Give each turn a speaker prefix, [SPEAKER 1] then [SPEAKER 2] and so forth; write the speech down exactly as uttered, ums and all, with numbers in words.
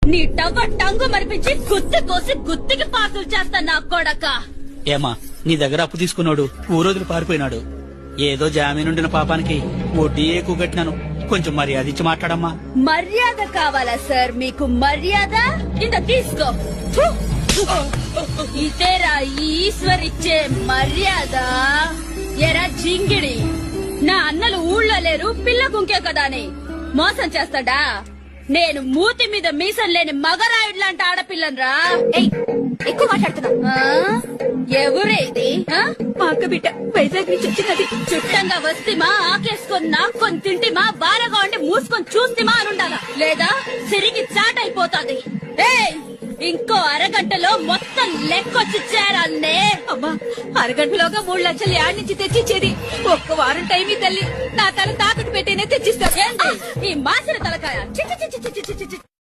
[SPEAKER 1] నీ టవ్వ టంగు మరిపించి గుత్తి కోసి గుత్తికి పాసులు చేస్తా నా కొడక.
[SPEAKER 2] ఏమా నీ దగ్గర అప్పు తీసుకున్నాడు ఊరోజులు పారిపోయినాడు. ఏదో జామీనుండిన పాపానికి వడ్డీ ఎక్కువ కట్టినాను. కొంచెం మర్యాద ఇచ్చి మాట్లాడమ్మా.
[SPEAKER 1] మర్యాద కావాలా సార్ మీకు? మర్యాద ఇంత తీసుకో. ఫు! ఇదేరా ఈశ్వర్ ఇచ్చే మర్యాద. ఎరా జింగిడి, నా అన్నలు ఊళ్ళో లేరు, పిల్ల గుంకే కదా అని మోసం చేస్తాడా? నేను మూతి మీద మీసం లేని మగరాయుడు లాంటి ఆడపిల్లనరా.
[SPEAKER 3] ఎక్కువ మాట్లాడుతున్నా.
[SPEAKER 1] ఎవరే ఇది?
[SPEAKER 3] మా అక్క బిడ్డ వైజాగ్ నుంచి వచ్చినది.
[SPEAKER 1] చుట్టంగా వస్తేమా ఆకేసుకొని నాక్కొని తింటిమా బారగా ఉండి మూసుకొని చూస్తేమా అనుండాలా, లేదా సిరిగి చాట్ అయిపోతాది. ఏయ్, ఇంకో అరగంటలో మొత్తం లెక్కొచ్చి చేరాలనే.
[SPEAKER 3] అమ్మా, అరగంటలోగా మూడు లక్షలు యాడ్ నుంచి తెచ్చిచ్చేది. ఒక్క వారం టైం ఈ తల్లి. నా తల తాకట్టు పెట్టేనే తెచ్చిస్తా.
[SPEAKER 1] ఈ మాసిన తలకాయ చి చి చి చి చి చి చి.